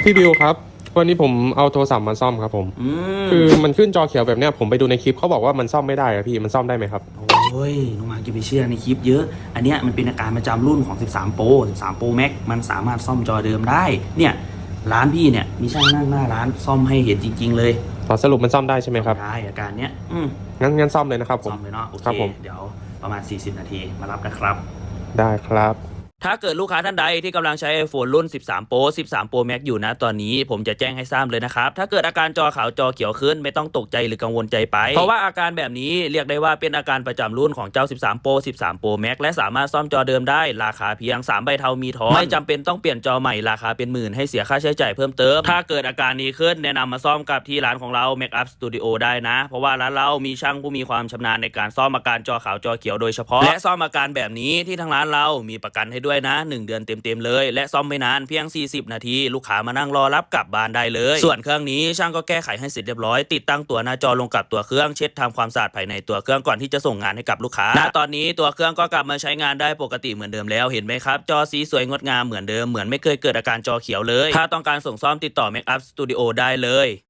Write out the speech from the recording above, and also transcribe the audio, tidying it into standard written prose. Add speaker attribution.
Speaker 1: พี่บิวครับวันนี้ผมเอาโทรศัพท์มาซ่อมครับผม
Speaker 2: อื
Speaker 1: คือ
Speaker 2: ม
Speaker 1: มันขึ้นจอเขียวแบบเนี้ยผมไปดูในคลิปเขาบอกว่ามันซ่อมไม่ได้อะพี่มันซ่อมได้ไหมครับ
Speaker 2: โอ้ยน้องหมาจะไปเชื่อในคลิปเยอะอันเนี้ยมันเป็นอาการประจำรุ่นของ13 Pro 13 Pro Max มันสามารถซ่อมจอเดิมได้เนี่ยร้านพี่เนี่ยมีช่างนั่งหน้าร้านซ่อมให้เห็นจริงๆเลย
Speaker 1: ขอสรุปมันซ่อมได้ใช่ไหมครับ
Speaker 2: ได้อาการเนี้ย
Speaker 1: งั้นซ่อมเลยนะครับผม
Speaker 2: ซ่อมเลยเนาะโอเค
Speaker 1: ครับผม
Speaker 2: เดี๋ยวประมาณ40นาทีมารับนะครับ
Speaker 1: ได้ครับ
Speaker 3: ถ้าเกิดลูกค้าท่านใดที่กำลังใช้ iPhone รุ่น 13 Pro 13 Pro Max อยู่นะตอนนี้ผมจะแจ้งให้ทราบเลยนะครับ ถ้าเกิดอาการจอขาวจอเขียวขึ้นไม่ต้องตกใจหรือกังวลใจไป เพราะว่าอาการแบบนี้เรียกได้ว่าเป็นอาการประจำรุ่นของเจ้า 13 Pro 13 Pro Max และสามารถซ่อมจอเดิมได้ราคาเพียง 3 ใบเทามีทอนไม่จำเป็นต้องเปลี่ยนจอใหม่ราคาเป็นหมื่นให้เสียค่าใช้จ่ายเพิ่มเติม ถ้าเกิดอาการนี้ขึ้นแนะนำมาซ่อมกับที่ร้านของเรา Make Up Studio ได้นะ เพราะว่าร้านเรามีช่างผู้มีความชำนาญในการซ่อมอาการจอขาวจอเขียวโดยเฉพาะและซ่อมอาการแบบนี้ที่ทางร้านเรามีประกันให้ด้วยนะ1 เดือนเต็มๆเลยและซ่อมไม่นานเพียง40นาทีลูกค้ามานั่งรอรับกลับบ้านได้เลยส่วนเครื่องนี้ช่างก็แก้ไขให้เสร็จเรียบร้อยติดตั้งตัวหน้าจอลงกับตัวเครื่องเช็ดทำความสะอาดภายในตัวเครื่องก่อนที่จะส่งงานให้กับลูกค้าณตอนนี้ตัวเครื่องก็กลับมาใช้งานได้ปกติเหมือนเดิมแล้วเห็นไหมครับจอสีสวยงดงามเหมือนเดิมเหมือนไม่เคยเกิดอาการจอเขียวเลยถ้าต้องการส่งซ่อมติดต่อ Make Up Studio ได้เลย